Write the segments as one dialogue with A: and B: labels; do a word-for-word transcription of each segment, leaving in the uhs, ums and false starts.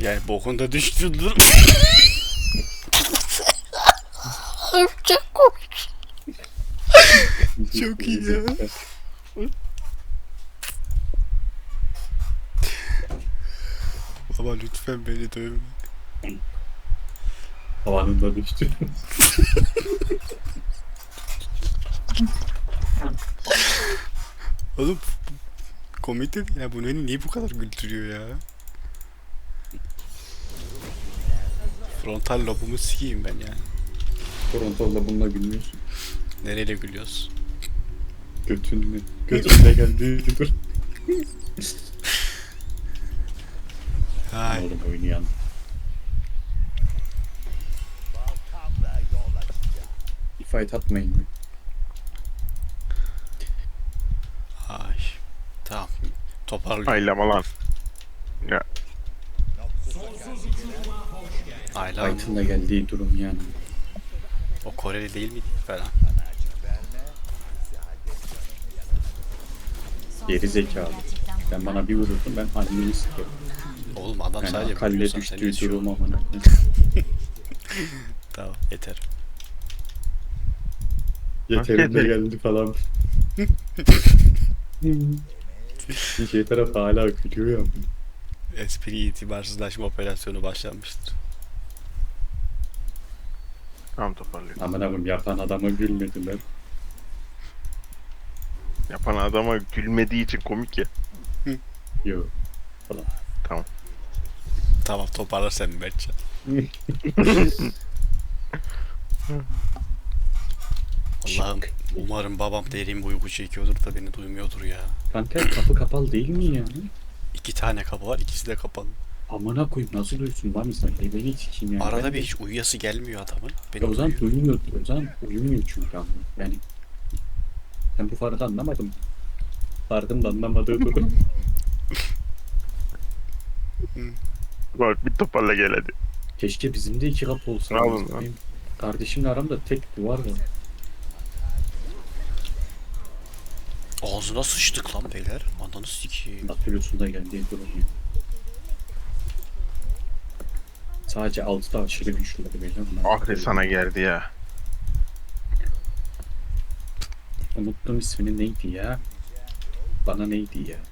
A: Yani bokunda düştürdür. Çok komik. Çok iyi ya. Baba lütfen beni dövme.
B: Havanında düştü.
A: Oğlum komik de değil ya, bu beni niye bu kadar güldürüyor ya? Frontal lobumu sikeyim ben yani.
B: Toronto'da bununla gülmüyorsun.
A: Nereyle gülüyoruz?
B: Götünle. Götünle geldi. Dur.
A: Hay.
B: Oğlum oynayan. Bir fight atmayın mı?
A: Ay. Tamam. Toparlıyorum.
C: Aylama lan. Ya
A: Ayla
B: Fight'ın da geldiği durum yani.
A: o Koreli değil miydi falan?
B: Geri zekalı. Sen bana bir vururdun ben anneni sikerim.
A: Oğlum adam
B: Yani
A: sadece
B: akalle
A: vuruyorsan sen
B: düştüğü
A: yaşıyor.
B: durum amına.
A: Tamam yeter.
B: Yeterinde geldi falan. Bir şey taraf hala gülüyor ya.
A: Espri itibarsızlaşma operasyonu başlanmıştır.
C: tamam toparlıyorum.
B: Aman abim yapan adama gülmediler.
C: Yapan adama gülmediği için komik ya.
B: Yok.
A: Tamam toparlar sen Mertcan. Allah'ım umarım babam derin bir uyku çekiyordur da beni duymuyordur ya.
B: Kanka kapı kapalı değil mi yani?
A: İki tane kapı var, ikisi de kapalı.
B: Amına koyayım nasıl duysun var mı sen? E beni sikeyim yani.
A: Arada
B: Ben
A: bir
B: de-
A: hiç uyuyası gelmiyor adamın. Beni
B: Ya o zaman
A: uyuyor.
B: duymuyor. O zaman uyumuyor çünkü ama. Yani. Ben bu farkı anlamadım. Farkın da anlamadığı durum.
C: Bak bir toparla gel hadi.
B: Keşke bizim de iki kapı olsa.
C: Ne yapalım lan?
B: Benim kardeşimle aramda tek duvar var.
A: Ağzına sıçtık lan beyler. Ananı sikeyim.
B: Natürlüsünde geldiği durum ya. Sadece altıda aşırı güçlüler böyle.
C: Ahre sana geldi ya.
B: Unuttum ismini neydi ya? Bana neydi ya?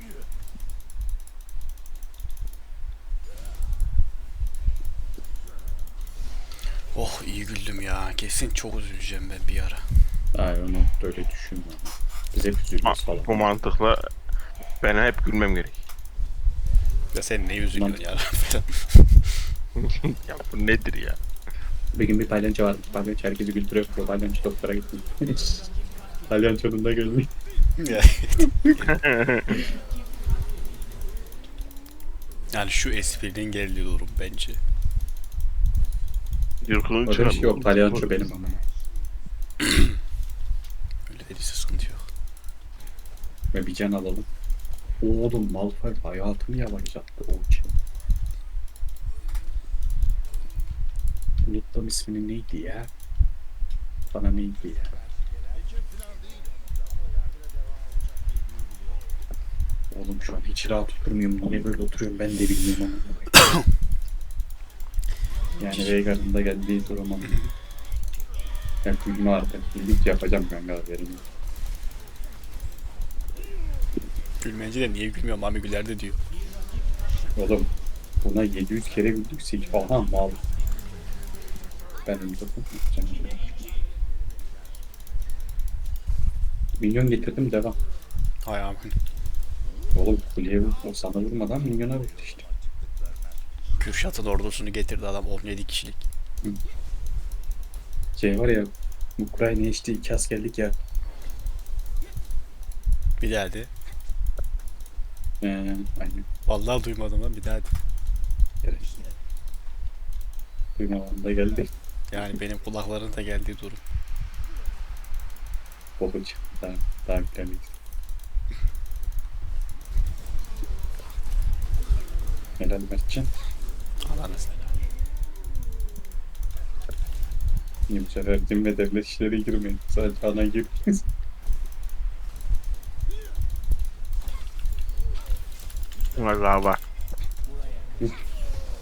A: Oh iyi güldüm ya. Kesin çok üzüleceğim ben bir ara.
B: Ay onu böyle düşünme. Biz hep üzülüyoruz
C: Ma-
B: falan.
C: bu mantıkla ben hep gülmem gerek.
A: Ya sen ne üzülüyorsun ya?
C: ya bu nedir ya?
B: Bir gün bir palyaço vardı. Palyaço herkesi güldürüyor. Palyaço doktora gitti. Palyaçonun da geldi.
A: Ya. Yani şu esprinin geldiği durum bence.
C: Yırkının
B: Öyle bir şey yok. Palyaço benim ama.
A: Öyle dediyse sıkıntı yok.
B: Ve bir can alalım. Oğlum Malphite hayatını yavaşlattı o için. Unuttum ismini neydi ya? Bana neydi ya? Oğlum şu an hiç rahat oturmuyorum. Niye böyle oturuyorum ben de bilmiyorum ama. Yani Veigar'ın da geldiği durum ama. Ben gülme artık. Gülük yapacağım kanka haberim yok.
A: Gülmence de niye gülmüyorum abi güler de diyor.
B: Oğlum buna yedi yüz kere güldük. Seç aha mal. Ben öldürdüm. Minyon getirdim devam.
A: Hay amin.
B: Oğlum kuleye o sana vurmadan minyona vurdu işte.
A: Kürşat'ın ordusunu getirdi adam on yedi kişilik.
B: Şey var ya Ukrayna işte iki askerlik ya.
A: Bir daha de.
B: Ee, aynen.
A: Vallahi duymadım lan bir daha de.
B: Gerek. Duymadan da geldi.
A: Yani benim kulakların da geldiği durum.
B: Bokuç. Daha, daha yüklemeyiz. Helal Mertcan.
A: Allah'ına selam.
B: İyi bu sefer din ve devlet işleri girmeyin. Sadece ana gir.
C: Valla var.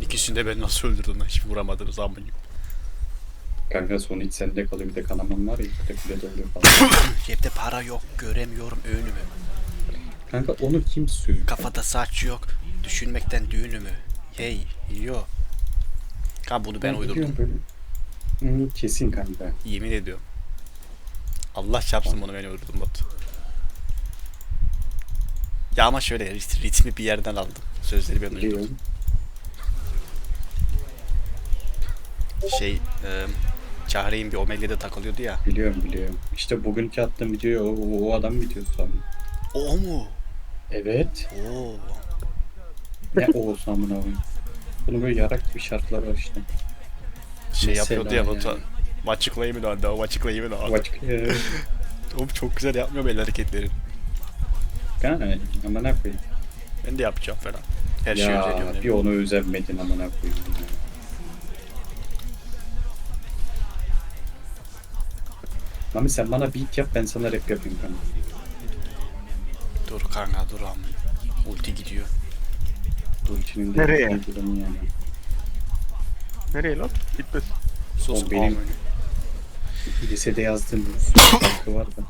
A: İkisini de ben nasıl öldürdüm lan? Hiç vuramadınız amına.
B: Kanka son hiç sende kalıyor, bir de kanaman var ya, bir de kule doluyor falan.
A: Cepte para yok, göremiyorum önümü.
B: Kanka onu kim söylüyor?
A: Kafada saç yok, düşünmekten düğünümü. Hey, yo. Kanka bunu ben uydurdum.
B: biliyorum Böyle. Hı, kesin kanka.
A: Yemin ediyorum. Allah çarpsın bunu ben uydurdum Batu. Ya ama şöyle rit- ritmi bir yerden aldım. Sözleri ben uydurdum.
B: Biliyorum.
A: Şey, e, Cahre'in bir Omegle'de takılıyordu ya.
B: Biliyorum biliyorum. İşte bugünkü attığım videoyu o, o, o adam videosu sandım.
A: O, o mu?
B: Evet.
A: Oo.
B: Ne o olsa amına koyayım. Bunun böyle yarak gibi şarkılar var işte.
A: Şey
B: Mesela
A: yapıyordu ya Batu.
B: yani.
A: Açıklayayım mı da, açıklayayım mı da.
B: Başka eee,
A: Oğlum çok güzel yapmıyor mu el hareketleri?
B: kanka amına koyayım.
A: Ben de yapacağım falan. Her şeyi
B: Ya
A: özeniyorum.
B: bir onu özenmedin amına koyayım. ya. Mami sen bana beat yap, ben sana rap yapayım kanka.
A: Dur kanka dur am. Ulti gidiyor.
B: Ultinin de
C: Nereye?
B: bir durumu yani.
C: Nereye lan? Gitmez.
A: Sus
B: O benim-
A: amına.
B: Lisede yazdığım şarkı var da.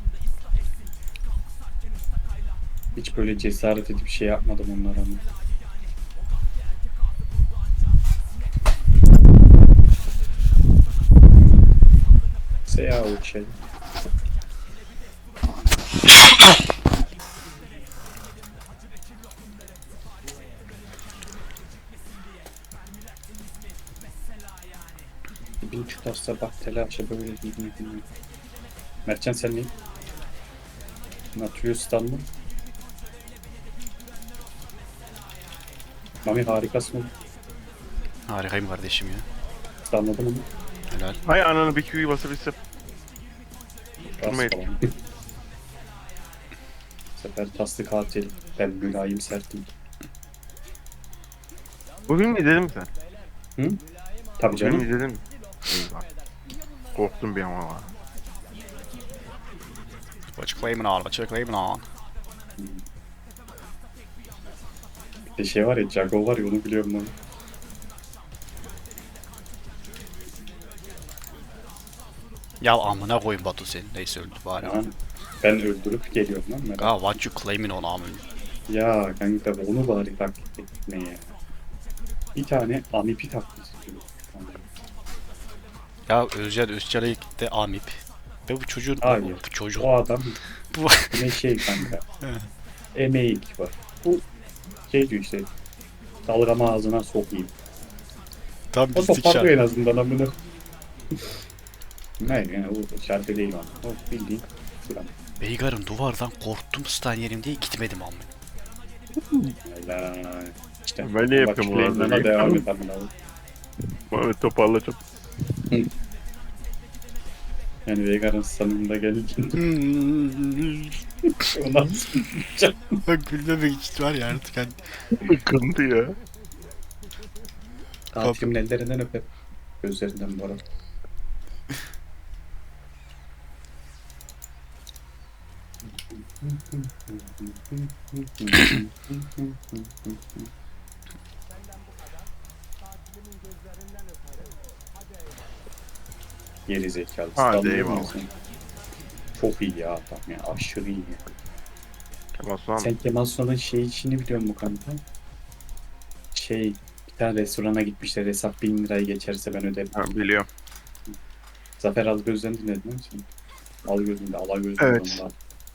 B: Hiç böyle cesaret edip şey yapmadım onlara ama. Seya o şey. Bin tutarsa bak telaşa böyle giymek bilmiyorum. Mertcan sen ne? Nautilus mı? Mami harikasın.
A: Harikayım kardeşim ya.
B: Anladım onu.
A: Helal.
C: Hay ananı bir Q'yu basabilsem. Durmayın.
B: Rast falan. Bu sefer taslı katil. Ben mülayim sertim.
C: Bugün mü izledin mi sen?
B: Hı? Tabii
C: Bugün mü
B: canım.
C: izledin mi? İyi bak. Korktum bir ama var.
A: Açıklayayım lan, açıklayayım lan.
B: Bir de şey var ya, Jago var ya, onu biliyorum ben.
A: Ya amına koyayım Batu sen. Neyse öldü bari.
B: Ya, ben öldürüp geliyorum lan merak.
A: Ha what you claiming on amın.
B: Ya kanka onu bari taklit etme ya. Bir tane amipi taklit ediyor.
A: Ya Özcan Özçelik de amip. Ve bu çocuğun
B: Hayır.
A: bu çocuk
B: O adam
A: bu
B: ne şey kanka. Emeğik var. Bu şey diyor işte. Dalgama ağzına sokayım.
A: tam
B: O
A: bizlik
B: toparlıyor en
A: şarkı.
B: azından amına. Hayır yani o şarkı değil ama. O bildiğin şuran.
A: Beygar'ın duvardan korktum stan yerim diye gitmedim amın.
B: Helal. İşte.
C: Ben ne yapıyorum bu arada?
B: Bana devam et amına.
C: Mehmet toparlayacağım.
B: Yani Veigar'ın sanımda gelince ona
A: Bak gülmemek için var ya artık hani.
C: Sıkıntı ya.
B: katilimin ellerinden öper. Gözlerinden bu arada. Geri zekalı.
C: Hadi
B: Standart
C: eyvallah.
B: mısın? Çok iyi ya adam ya. Aşırı iyi.
C: Kemal Sunal.
B: Sen Kemal Sunal'ın şey işini biliyor musun kanka? Şey, bir tane restorana gitmişler. Hesap bin lirayı geçerse ben öderim.
C: Ha, biliyorum.
B: Zafer Algöz'den dinledin mi sen? Algöz'ün de Alagöz'ün
C: Evet.
B: ondan.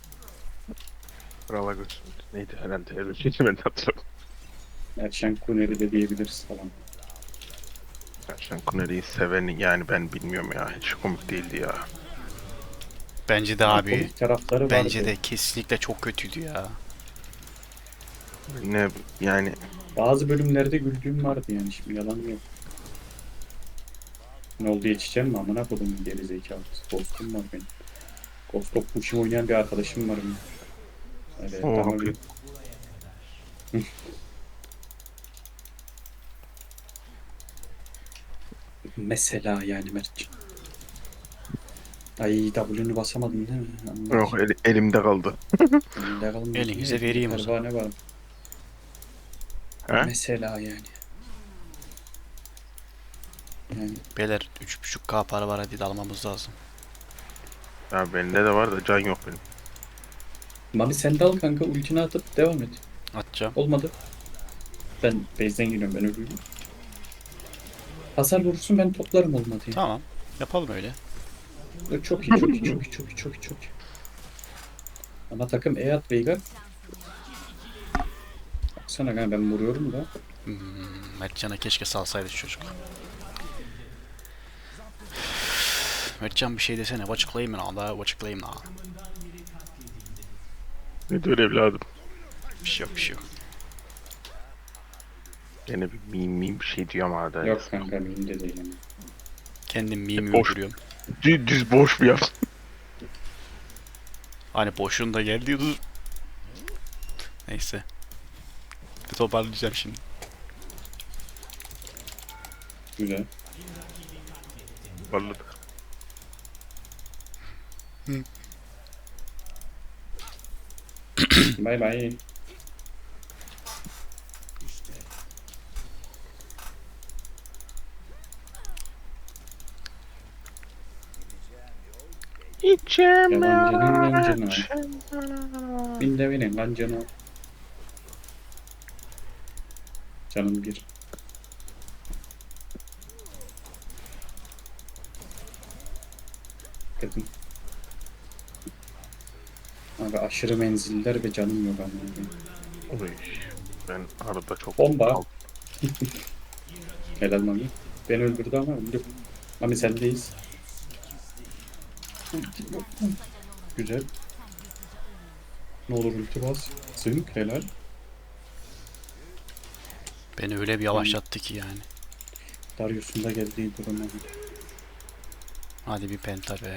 C: Krala göz. Neydi herhalde öyle bir şeydi ben de hatırlamıyorum.
B: Erşen Kuneri de diyebiliriz falan.
C: Erşen Kuneri'yi seven yani ben bilmiyorum ya. Hiç komik değildi ya.
A: Bence de abi.
B: Komik tarafları
A: Bence
B: vardı.
A: de kesinlikle çok kötüydü ya.
C: Ne yani
B: Bazı bölümlerde güldüğüm vardı yani, şimdi yalan yok. Ne oldu, yetişeceğim mi amına kodum geri zekalı. Ghost'um var benim. Ghost of Tsushima oynayan bir arkadaşım var benim. Öyle
C: Oo,
B: tamam.
C: haklı.
B: Mesela yani Mert'ciğim. Ay W'nü basamadın değil mi? Anladım.
C: yok el- elimde kaldı.
B: Elinde kalmadı.
A: Elinize vereyim o zaman.
B: Pervane var.
C: He?
B: Mesela yani. Yani
A: Beyler üç buçuk K para var, hadi de almamız lazım.
C: Ya bende de var da can yok benim.
B: Mami sen de al kanka, ultini atıp devam et.
A: Atacağım.
B: Olmadı. Ben base'den giriyorum, ben ölüyorum. Hasar vurursun, ben toplarım olmadı.
A: Tamam. Yapalım öyle.
B: Çok iyi, çok iyi, çok iyi, çok iyi, çok iyi, çok iyi. Ana takım E at Veigar. Baksana kanka, ben vuruyorum da.
A: Hmm, Mertcan'a keşke salsaydı şu çocuk. Mertcan bir şey desene. What's claiming on da? What's claiming on?
C: Ne diyor evladım?
A: Bir şey yok, bir şey yok.
C: Gene bir meme meme bir şey diyor ama arada.
B: Yok kanka, benim de değil yani.
A: Kendim meme
C: Boş.
A: uyduruyorum.
C: Düz, düz boş bir yap.
A: Hani boşluğunda geldi dur. Neyse. Bir toparlayacağım şimdi.
B: Güzel.
C: Vallahi.
B: Bay bay.
C: İçim
B: Yabancının yancını. Bin de binin lan canı. Canım bir. Dedim. Abi aşırı menziller ve canım yok anladım.
C: Oy, ben arada çok...
B: Bomba. Helal Mami. Beni öldürdü ama öldü. Mami sendeyiz. Güzel. Ne olur ulti bas. Zınk helal.
A: Beni öyle bir yavaşlattı ki yani.
B: Darius'un da geldiği durum abi.
A: Hadi bir penta be.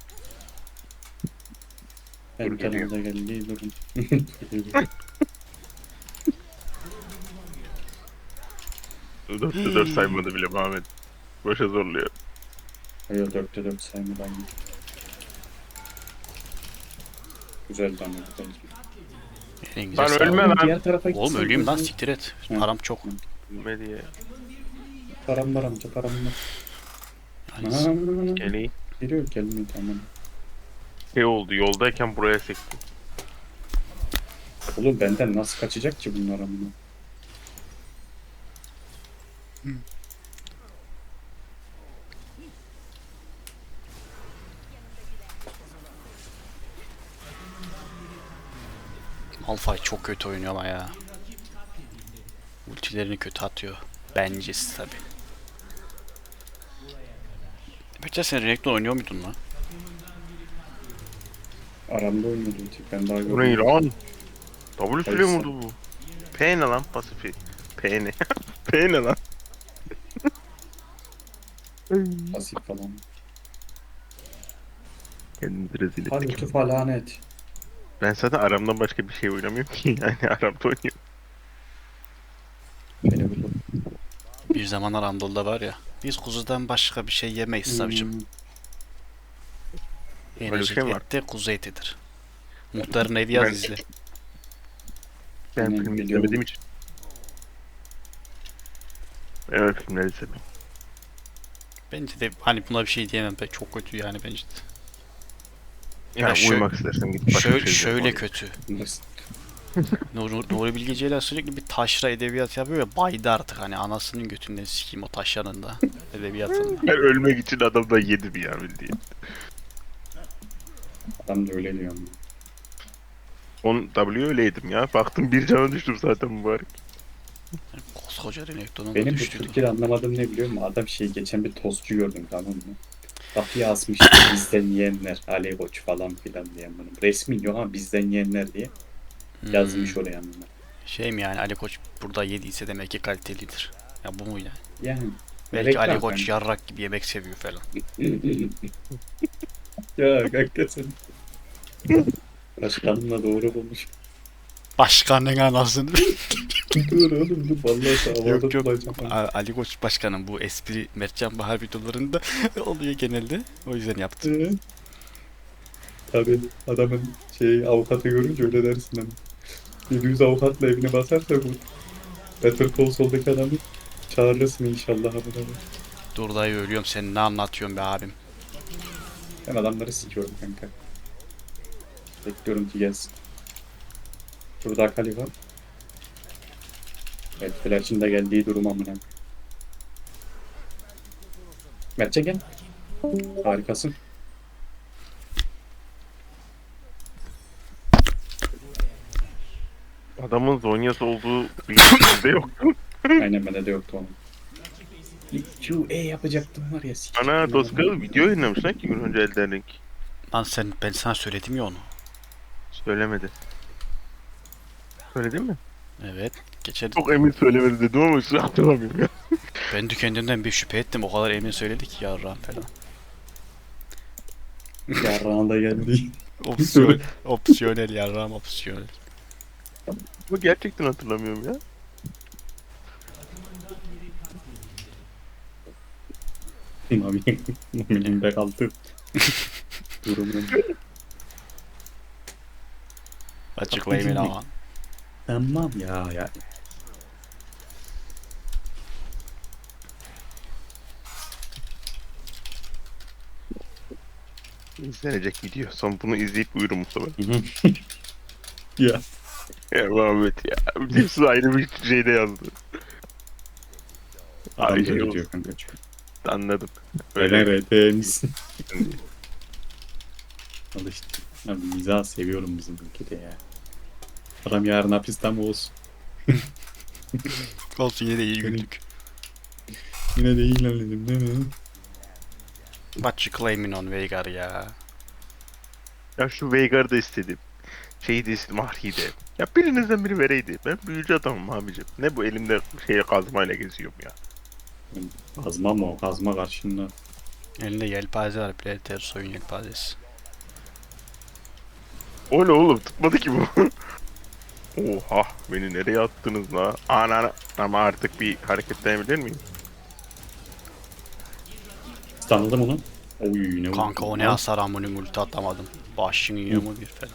B: Ben
C: Dur, geliyor.
B: kanalda geldiği durum.
C: Dörtte dört saymadı bile Muhammed. Boşa zorluyor.
B: Hayır, dörtte dört saymadan. Güzel damla.
A: En güzel
C: Ben
A: sağ ol.
C: ölmem lan.
B: Diğer tarafa
A: Oğlum
B: gitsen
A: öleyim lan,
B: gözünü-
A: siktir et.
B: Hı.
A: Param çok.
C: Ölme diye.
B: Param var amca, param var.
A: Yani
B: Aa,
C: Geleyim.
B: geliyor, gelmiyor tamam.
C: Şey oldu, yoldayken buraya sektim.
B: Oğlum benden nasıl kaçacak ki bunlar amına?
A: Malphite çok kötü oynuyor ama ya. Ultilerini kötü atıyor. Bencesi tabi. Peki sen Renekton oynuyor muydun lan?
B: Aramda oynuyordu ulti. Ben daha
C: Bu ne
B: görmedim.
C: lan? W süre
B: Kayısı.
C: vurdu bu. P ne lan pasifi? P ne? P ne lan?
B: Pasif falan.
C: Kendimizi rezil
B: Hadi
C: ettik.
B: ulti falan et.
C: Ben zaten aramdan başka bir şey oynamıyorum ki. Yani aramda oynuyorum.
B: Beni vurdu.
A: Bir zamanlar Anadolu'da var ya. Biz kuzudan başka bir şey yemeyiz savcım.
B: Hmm,
C: Öyle bir
A: Yenecek
C: şey mi var?
A: et de kuzu etidir. Muhtarın evi yaz
C: Ben-
A: izle.
C: Ben
B: Aynen,
C: film
B: biliyorum.
C: izlemediğim için. Evet filmler izledim.
A: Bence de hani buna bir şey diyemem. Be. Çok kötü yani bence de.
C: Yani
A: şö-
C: uyumak istersen git başka
A: Şöyle,
C: bir şey izle.
A: şöyle
C: Oraya.
A: kötü.
B: nasıl?
A: Nuri, Nuri Bilge Ceylan sürekli bir taşra edebiyat yapıyor ya, baydı artık hani anasının götünden sikeyim o taşranın da edebiyatında.
C: Ben ölmek için adamdan yedim ya bildiğin.
B: Adam da öyle diyor. ama.
C: On W öyleydim ya. Baktım bir cana düştüm zaten mübarek.
A: Koskoca Renekton'un da
B: Benim bu
A: düştüydü.
B: Türkiye'de anlamadığım ne biliyor musun? Adam şey, geçen bir tostçu gördüm tamam mı? Kapıya asmış bizden yiyenler, Ali Koç falan filan diye bunun. Resmi yok ama bizden yiyenler diye
A: Hmm,
B: yazmış oraya anlamına.
A: Şey mi yani, Ali Koç burada yediyse demek ki kalitelidir. Ya bu mu yani?
B: Yani.
A: Belki
B: reklam
A: Ali Koç
B: kanka.
A: yarrak gibi yemek seviyor falan.
B: Ya kanka sen. Başkanımla doğru bulmuş.
A: Başkanın anasını.
B: Dur oğlum dur, vallahi havada
A: Yok yok.
B: tutacağım.
A: A- Ali Koç başkanım bu espri Mertcan Bahar videolarında oluyor genelde. O yüzden yaptım.
B: Ee, Tabii adamın şey avukatı görünce öyle dersin hani. Bir yüz avukatla evine basarsa bu Better Call Saul'daki adamı çağırırsın inşallah.
A: Dur dayı ölüyorum, sen ne anlatıyorsun be abim?
B: Ben adamları sikiyorum kanka. Bekliyorum ki gelsin. Burada Akali var. Evet, Flash'ın da geldiği durum amına. Mertçe gel. Harikasın.
C: Adamın Zonya'sı olduğu bilgisinde yok.
B: Aynen bende de yoktu onun. Q E yapacaktım var ya. sikeyim
C: Ana
B: adamı.
C: Toskalı video yayınlamış lan iki gün önce Elden Ring.
A: Lan sen, ben sana söyledim ya onu.
C: Söylemedi. Söyledin mi?
A: Evet. Geçen
C: Çok emin söylemedi dedim ama şu an hatırlamıyorum ya.
A: ben de kendimden bir şüphe ettim. O kadar emin söyledik ya Ram falan.
B: Yarrağına da geldi.
A: Opsiyon, opsiyonel ya Ram, opsiyonel.
C: Ama gerçekten hatırlamıyorum ya.
B: Mami. Mami'nin de kaldı. Durumun.
A: Açıklayayım ama.
B: Tamam ya ya.
C: İzlenecek video. Son bunu izleyip uyurum Mustafa.
B: Ya.
C: Ya Muhammed ya. Hepsi ayrı bir şeyde yazdı.
B: Adam
C: Ay,
B: da
C: şey
B: öyle
C: olsun.
B: diyor kanka çünkü.
C: Anladım.
B: Öyle
C: Öyle.
B: R T misin? Al işte. Abi mizah seviyorum bizim ülkede ya. Adam yarın hapiste mi olsun?
A: Olsun, yine de iyi güldük.
B: Yine de ilerledim değil mi?
A: Açıklayayım on Veigar ya.
C: Ya şu Veigar'ı da istedim. Şeyi de istedim, Ahri'yi de. Ya birinizden biri vereydi. Ben büyücü adamım abicim. Ne bu elimde şeye kazmayla geziyorum ya.
B: Kazma mı o? Kazma karşında.
A: Elinde yelpaze var. Predator soyun yelpazesi.
C: O ne oğlum, tutmadı ki bu. Oha, beni nereye attınız la? Ana, ama artık bir hareketlenebilir miyim?
B: Tanıdım onu. Oy ne
A: Kanka
B: vurdu
A: o ne
B: lan?
A: hasar, amını multi atamadım. Başını yiyor mu bir falan.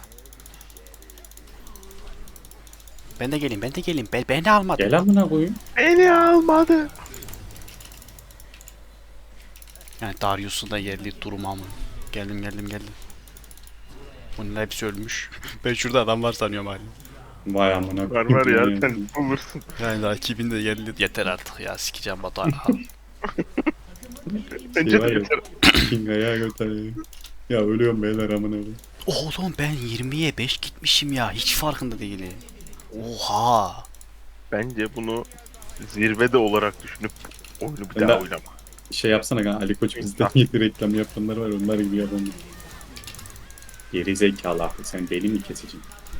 A: Ben de geleyim, ben de geleyim. Ben, beni almadı.
B: Gel amına koyayım.
C: Beni almadı.
A: Yani Darius'un da yerli durum amın. Geldim geldim geldim. Bunun hepsi ölmüş. Ben şurada adam var sanıyorum hala.
B: Vay amına
C: Var
B: koyayım.
C: var ya, sen bulursun.
A: Yani rakibin de yerli. Yeter artık ya, sikeceğim Batuhan.
C: Bence
B: Şey
C: de
B: var ya.
C: yeter.
B: King ayağa götürüyor. Ya ölüyorum beyler amına koyayım.
A: Oğlum ben yirmiye beş gitmişim ya. Hiç farkında değilim. Oha.
C: Bence bunu zirvede olarak düşünüp oyunu bir
B: Ben
C: daha
B: de-
C: oynama.
B: Şey yapsana kanka, Ali Koç bizden yedi reklam yapanlar var, onlar gibi yapalım. Geri zekalı abi, sen deli mi keseceksin?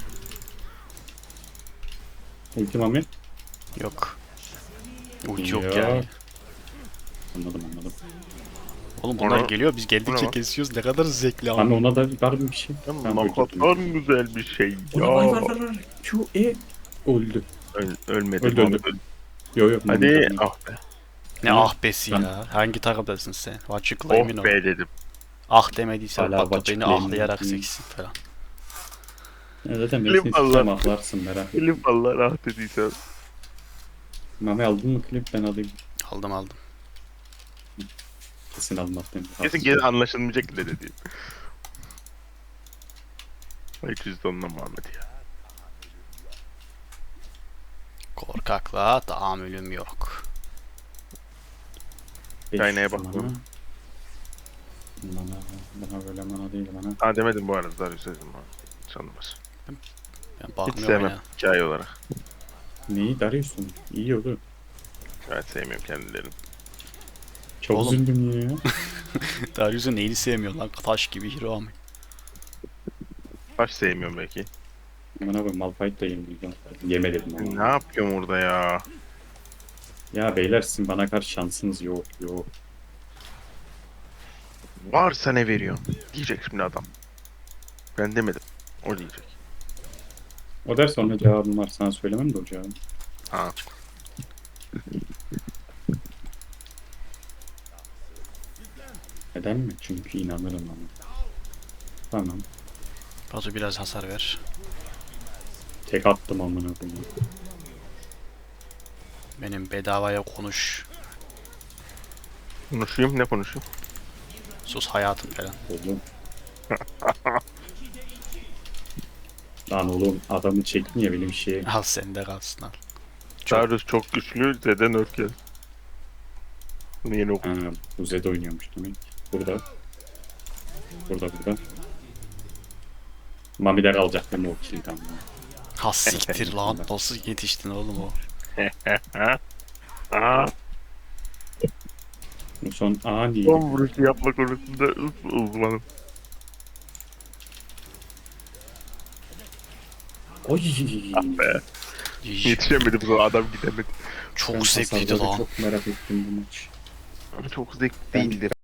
B: Ultim Mami.
A: Yok. Ulti yok
B: Yok.
A: yani.
B: Anladım anladım.
A: Oğlum bunlar
C: Ona-
A: geliyor, biz
C: ona
A: geldikçe
C: bak.
A: kesiyoruz. Ne kadar zevkli
B: Mami
A: ama.
B: ona da var mı bir şey?
C: Ya,
B: Tamam,
C: ne
B: öldürdüm.
C: kadar güzel bir şey
B: Ona var var
C: ya.
B: var var. Q E öldü.
C: Öl, ölmedi.
B: Öldü, öldü.
C: Öldü.
B: Yo yo. Mami
C: Hadi
B: öldü.
C: ah be.
A: Ne
B: Hı.
A: ah besi
B: Ben-
A: ya. Hangi takımdasın sen? Açıklayayım
C: Oh
A: o.
C: be dedim.
A: Ah demediysen
B: Hala
A: Batu beni
B: açıklayayım
A: ahlayarak
B: dedim.
A: seksin falan.
B: Ya zaten ben
C: Klip
B: seni
C: Allah.
B: sistem aklarsın merak etme.
C: Elim valla rahat dediysen.
B: Mami aldın mı klip, ben alayım.
A: Aldım aldım.
B: Kesin almadım.
C: Kesin geri anlaşılmayacak bile dediğim. Ay cüzdanla Muhammed ya.
A: Korkaklığa tahammülüm yok.
C: Kaynaya bakıyorum.
B: Bana, bana böyle bana değil bana.
C: Ha demedim bu arada Darius dedim ha. Sanılmaz.
A: Ben
C: Hiç
A: bakmıyorum
C: sevmem
A: ya.
C: hikaye olarak.
B: Neyi Darius'un? İyi olur.
C: Evet sevmiyorum kendilerini.
B: Çok
A: Oğlum.
B: üzüldüm ya.
A: Darius'un neyini sevmiyor lan? Taş gibi hero ama.
C: Baş sevmiyorum belki.
B: Bana bak Malphite da yenildim. Yemedim
C: Ne
B: ama.
C: yapıyorum orada ya?
B: Ya beyler sizin bana karşı şansınız yok yok.
C: Varsa ne veriyorsun? Diyecek şimdi adam. Ben demedim. O diyecek.
B: O der sonra cevabım var, sana söylemem de o cevabı.
C: Ha.
B: Neden mi? Çünkü inanırım ama. Tamam.
A: Batu biraz hasar ver.
B: Tek attım amına koyayım.
A: Benim bedavaya konuş.
C: Konuşayım ne konuşayım?
A: Sus hayatım falan.
B: Oğlum. Lan oğlum adamı çektin ya benim şeye.
A: Al sende kalsın al. Çok-
C: Darius çok güçlü. Zeden Örkel. Bunu yeni okudum.
B: Ha, bu Zed oynuyormuş demek. Burada. Burada burada. Mamiler alacak değil mi o kill tamam.
A: Ha siktir lan nasıl yetiştin oğlum o?
C: Aa,
B: Bu son ani.
C: son vuruşu yapma konusunda uz- uzmanım.
B: Oy.
C: Be.
A: Yiş.
C: Yetişemedi bu zaman adam gidemedi.
A: Çok
B: Ben
A: zevkliydi
B: hasarları
A: lan.
B: Çok merak ettim bu maç.
C: Ama çok zevkli değildir.